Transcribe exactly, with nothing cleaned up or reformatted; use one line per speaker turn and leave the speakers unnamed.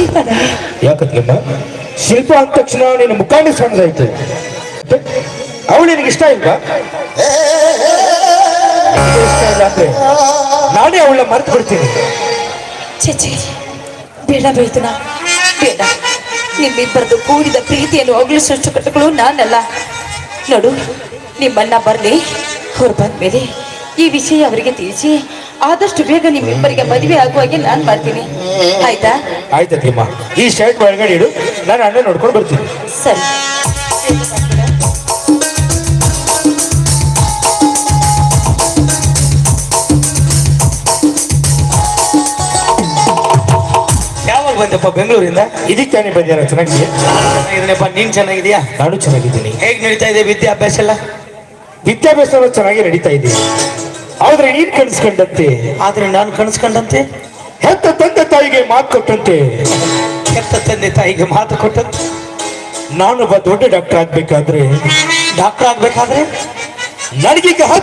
ಶಿಲ್ಪದಲ್ಲಿ
ಯಾಕಂದ್ರಮ್ಮ ಶಿಲ್ಪ ಅಂದ ತಕ್ಷಣ ನಿನ್ನ ಮುಖಾಂಡ ಸಣ್ಣದಾಯ್ತು. ಅವಳು ನಿನಗೆ ಇಷ್ಟ ಇಲ್ವಾ? ಇಷ್ಟ ಇಲ್ಲ ಅಂದ್ರೆ ನಾನೇ ಅವಳ ಮರ್ತು ಬಿಡ್ತೀನಿ.
ಚೇಚೆ ಬೇಡ ಬೇಯ್ತನ ಬೇಡ. ನಿಮ್ಮಿಬ್ಬರದು ಕೂಡಿದ ಪ್ರೀತಿಯನ್ನು ಹೋಗಲಿಸುವಷ್ಟು ಕಟ್ಟಗಳು ನಾನಲ್ಲ. ನೋಡು, ನಿಮ್ಮಣ್ಣ ಬರಲಿ, ಅವ್ರು ಬಂದ್ಮೇಲೆ ಈ ವಿಷಯ ಅವರಿಗೆ ತಿಳಿಸಿ ಆದಷ್ಟು ಬೇಗ ನಿಮ್ಮಿಬ್ಬರಿಗೆ ಮದುವೆ ಆಗುವಾಗೆ ನಾನು ಮಾಡ್ತೀನಿ. ಆಯ್ತಾ?
ಆಯ್ತಮ್ಮ. ಈ ಶರ್ಟ್ ಒಳಗಡೆ ಇಡು, ನಾನು ಅಣ್ಣ ನೋಡ್ಕೊಂಡು ಬರ್ತೀನಿ.
ಸರಿ.
ಯಾವಾಗ ಬಂದಪ್ಪ ಬೆಂಗಳೂರಿಂದ?
ಇದಕ್ಕೆ ತಾನೇ ಬಂದ್ಯಾರ. ಚೆನ್ನಾಗಿದೆಯಾ?
ಚೆನ್ನಾಗಿದ್ದೀನಪ್ಪ. ನೀನ್ ಚೆನ್ನಾಗಿದೀಯಾ?
ನಾನು ಚೆನ್ನಾಗಿದ್ದೀನಿ.
ಹೇಗ್ ನಡೀತಾ ಇದೆ ವಿದ್ಯಾಭ್ಯಾಸ ಎಲ್ಲ?
ವಿದ್ಯಾಭ್ಯಾಸ ಚೆನ್ನಾಗಿ ನಡೀತಾ ಇದೆ. ಆದ್ರೆ ನೀನ್ ಕನಸ್ಕೊಂಡಂತೆ,
ಆದ್ರೆ ನಾನು ಕನಸ್ಕೊಂಡಂತೆ,
ಹೆತ್ತ ತಂದೆ ತಾಯಿಗೆ ಮಾತು ಕೊಟ್ಟಂತೆ,
ಹೆತ್ತ ತಂದೆ ತಾಯಿಗೆ ಮಾತು ಕೊಟ್ಟಂತೆ
ನಾನೊಬ್ಬ ದೊಡ್ಡ ಡಾಕ್ಟರ್ ಆಗ್ಬೇಕಾದ್ರೆ
ಡಾಕ್ಟರ್ ಆಗ್ಬೇಕಾದ್ರೆ
ನನಗೀಗ